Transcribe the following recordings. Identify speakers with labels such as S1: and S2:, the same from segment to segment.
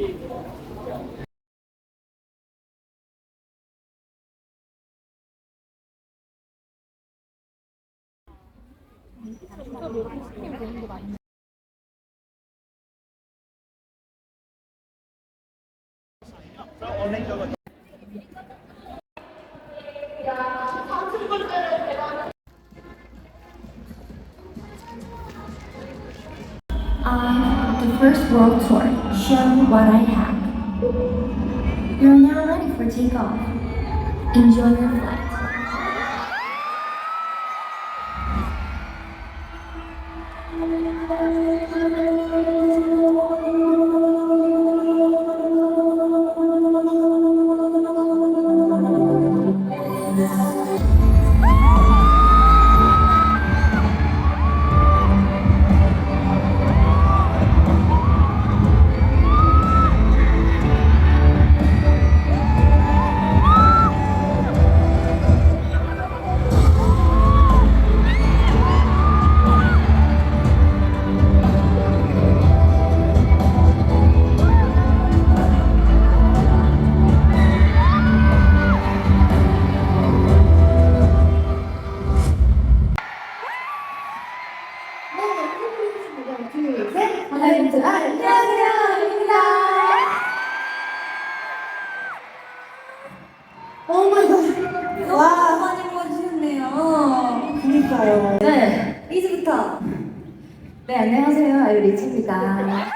S1: The first world tour. Show what I have. You're now ready for takeoff. Enjoy your flight. 안녕하세요, 오마이갓.
S2: 와, 많이 모아주셨네요.
S3: 그니까요.
S2: 네, 리즈부터.
S3: 네, 안녕하세요. 아유, 리즈입니다.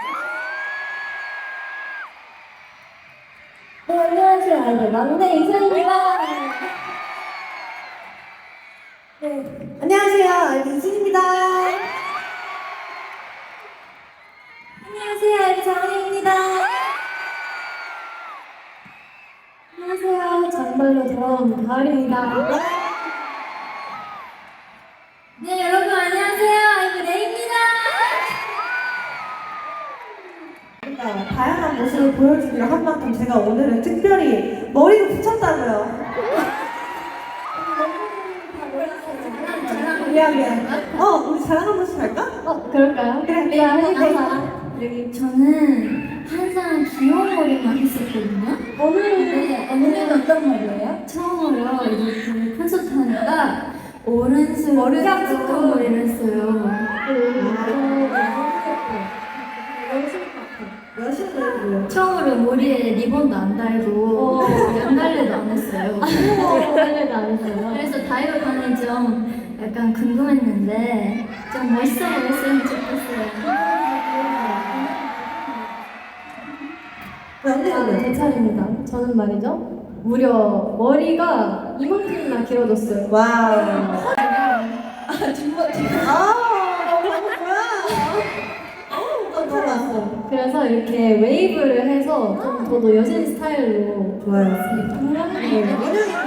S2: 네, 안녕하세요. 아이들 막내 이슬입니다. 네, 안녕하세요. 아이들 이슬입니다. 안녕하세요. 아이들 장은입니다. 안녕하세요. 장발로 돌아온 가을입니다. 네, 여러분 안녕하세요. 아이들 레이입니다.
S3: 다양한 모습을 보여주기로 한 만큼 제가 오늘은 특별히 머리를 붙였다고요. 미안. 우리 자랑 한 번씩 할까?
S2: 그럴까요?
S3: 그래,
S2: 여기 저는 항상 귀여운 머리만 했었거든요. 오늘은 어떤 머리예요? 처음으로 이제 그 콘서트 하니까 오른손 깜찍한 머리를 했어요.
S3: 몇인데요?
S2: 처음으로 머리에 리본도 안 달고 양갈래도 안 했어요. 양갈래도 안 했어요. 그래서 다이어 반이 좀 약간 궁금했는데 좀 멋있어 보였으면 좋겠어요.
S3: 네,
S2: 제 차례입니다. 저는 말이죠. 무려 머리가 이만큼이나 길어졌어요.
S3: 와우. 깜짝 놀랐어.
S2: 그래서 이렇게 웨이브를 해서 좀 더더 여신 스타일로
S3: 좋아요.
S2: 네.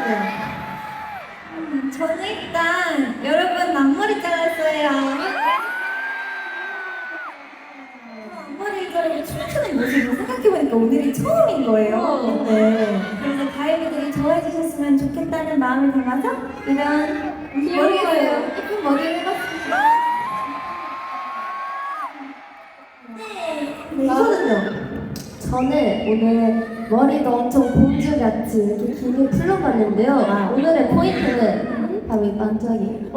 S2: 저는 일단 여러분 앞머리 잘랐어요. 앞머리 자르고 춤추는 모습을 생각해보니까 오늘이 처음인 거예요.
S3: 네.
S2: 그래서 가이드들이 좋아해 주셨으면 좋겠다는 마음을 담아서 이런 머리예요. 예쁜 머리를 해봤습니다.
S3: 네, 이거는요?
S4: 저는 오늘 머리가 엄청 공주같이 이렇게 길게 풀러봤는데요. 오늘의 포인트는 바로 이 반짝이.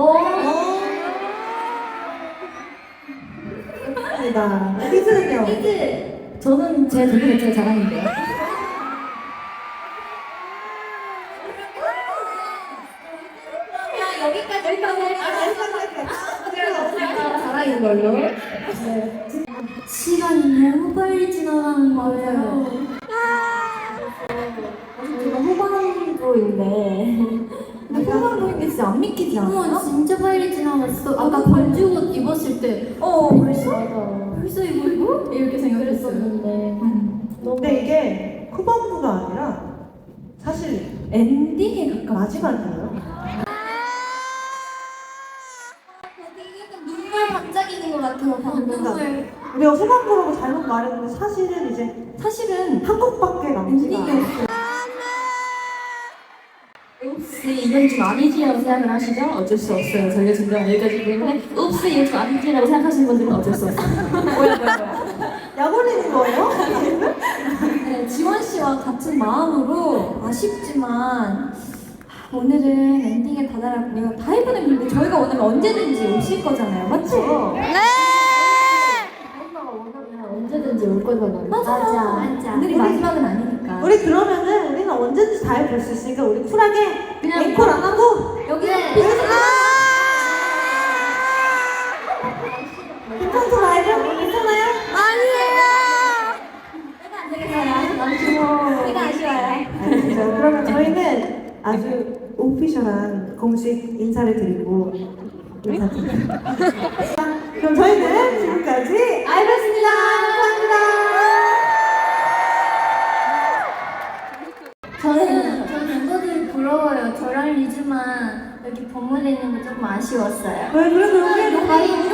S3: 맞습니다. 히즈는요?
S4: 저는 제 눈이 제일 자랑인데요.
S2: 여기까지
S4: 자랑인 걸로.
S2: 시간이 너무 빨리 지나가는 거예요.
S4: 제가 후반부인데.
S2: 근데 후반부인 게 진짜 안 믿기지 않아? 진짜 빨리 지나갔어.
S4: 아까 반죽 입었을 때
S2: 벌써 이거? 이렇게 생각했어요.
S4: 그랬었는데.
S3: 근데 이게 후반부가 아니라 사실
S2: 엔딩에 가까워.
S3: 마지막이에요.
S2: 약간 눈물 반짝이는 것 같아요. 방금.
S3: 우리가 후반부라고 잘못 말했는데 사실은 이제
S2: 사실은
S3: 한 곡밖에 남지가 않아요.
S2: 엔딩이었어요.
S4: 혹시 이건 좀 아니지라고 생각을 하시죠? 어쩔 수 없어요. 저희가 준비한 여기까지 때문에 혹시 이건 좀 아니지라고 생각하시는 분들은 어쩔 수 없어요.
S3: 약 올리는 거예요?
S4: 오늘 지원 씨와 같은 마음으로 아쉽지만 오늘은 엔딩에 다다랐고요. 다이브는 근데 저희가 오늘 언제든지 오실 거잖아요, 맞죠? 네. 다이브가 원하면 언제든지 올 거잖아요. 맞아. 오늘이 마지막은 아니니까.
S3: 우리 그러면은 우리는 언제든지 다 해볼 수 있으니까 우리 쿨하게
S2: 그냥
S3: 앵콜 안 하고
S2: 여기서
S3: 괜찮죠 라이브? 괜찮아요?
S4: 내가 아쉬워요.
S3: 알겠죠. 그러면 저희는 아주 오피셜한 공식 인사를 드리고 인사드립니다. 그럼 저희는 지금까지 아이브였습니다. 감사합니다.
S2: 저는 멤버들이 부러워요. 저랑 리즈만 여기 본문에 있는 게 조금 아쉬웠어요.
S3: 왜 그래도 우리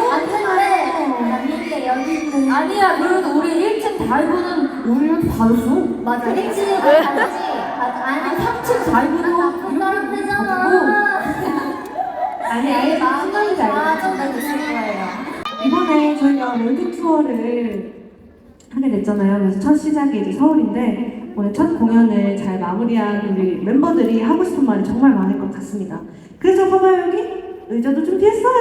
S2: 맞는데 여기 있는
S5: 아니야, 그래도 우리 1층 다이브는 우리 이렇게 받았어?
S2: 맞아. 1층에 가지. 아니
S5: 3층 다이브도
S2: 나쁜 사람 되잖아. 아니 아예 마음이 좋아져가 됐을 거예요.
S3: 이번에 저희가 월드 투어를 하게 됐잖아요. 그래서 첫 시작이 이제 서울인데 오늘 첫 공연을 잘 마무리한 우리 멤버들이 하고 싶은 말이 정말 많을 것 같습니다. 그래서 봐봐요 여기 의자도 준비했어요.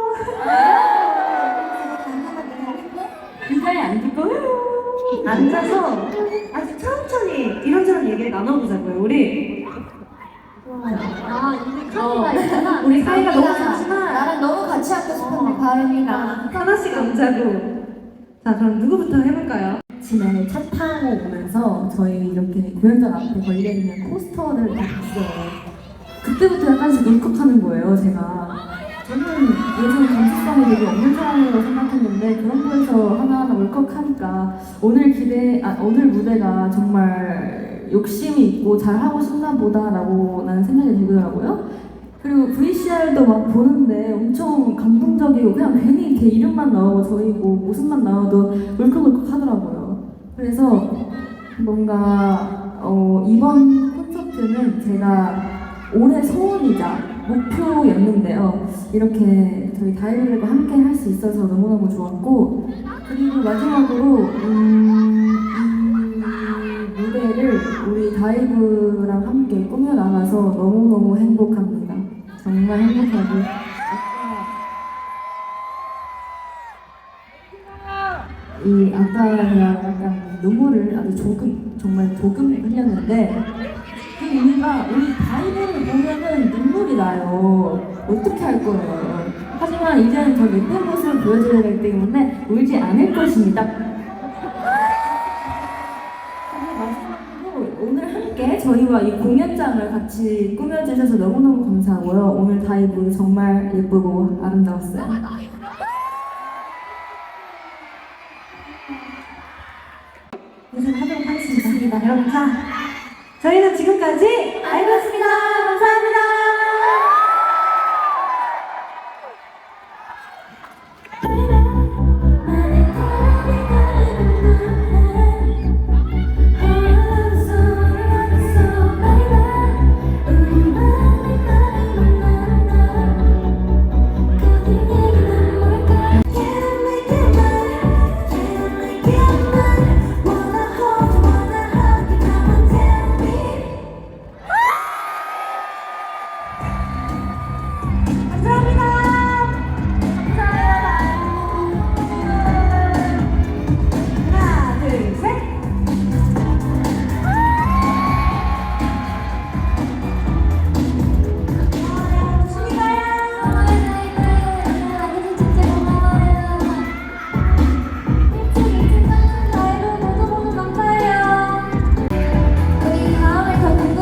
S5: 의자에 앉을 거예요.
S3: 앉아서 아주 천천히 이런저런 얘기를 나눠보자고요. 우리
S2: 카드가 있잖아.
S3: 우리 사이가 너무 좋지만
S2: 나랑 너무 같이 앉고 싶은데 바람이가
S3: 하나씩 앉자고. 자 그럼 누구부터 해볼까요?
S5: 아침에 차 타고 오면서 저희 이렇게 공연장 앞에 걸려있는 포스터를 다 봤어요. 그때부터 약간씩 울컥하는 거예요, 제가. 저는 요즘 감수성이 되게 없는 사람이라고 생각했는데 그런 거에서 하나하나 울컥하니까 오늘 무대가 정말 욕심이 있고 잘하고 싶나 보다라고 나는 생각이 들더라고요. 그리고 VCR도 막 보는데 엄청 감동적이고 그냥 괜히 이렇게 이름만 나오고 저희 뭐 모습만 나와도 울컥울컥 하더라고요. 그래서 뭔가 이번 콘서트는 제가 올해 소원이자 목표였는데요. 이렇게 저희 다이브랩과 함께 할 수 있어서 너무너무 좋았고 그리고 마지막으로 이 무대를 우리 다이브랑 함께 꾸며나가서 너무너무 행복합니다. 정말 행복하고 아까 약간 눈물을 아주 정말 조금 흘렸는데 그 이유가 우리 다이브를 보면은 눈물이 나요. 어떻게 할 거예요? 하지만 이제는 더 예쁜 모습을 보여줘야 되기 때문에 울지 않을 것입니다. 마지막으로 오늘 함께 저희와 이 공연장을 같이 꾸며주셔서 너무너무 감사하고요. 오늘 다이브 정말 예쁘고 아름다웠어요.
S3: 인사하도록 하겠습니다. 여러분 자 저희는 지금까지 아이브였습니다. 감사합니다.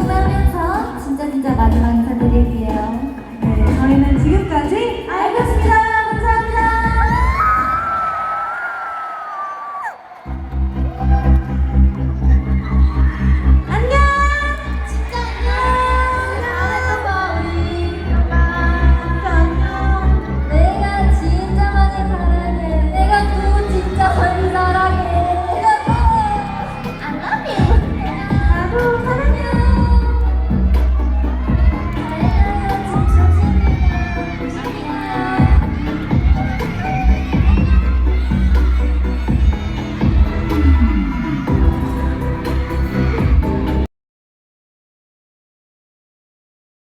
S2: 마지막 인사드릴게요.
S3: 네, 저희는 지금까지 아이브였습니다.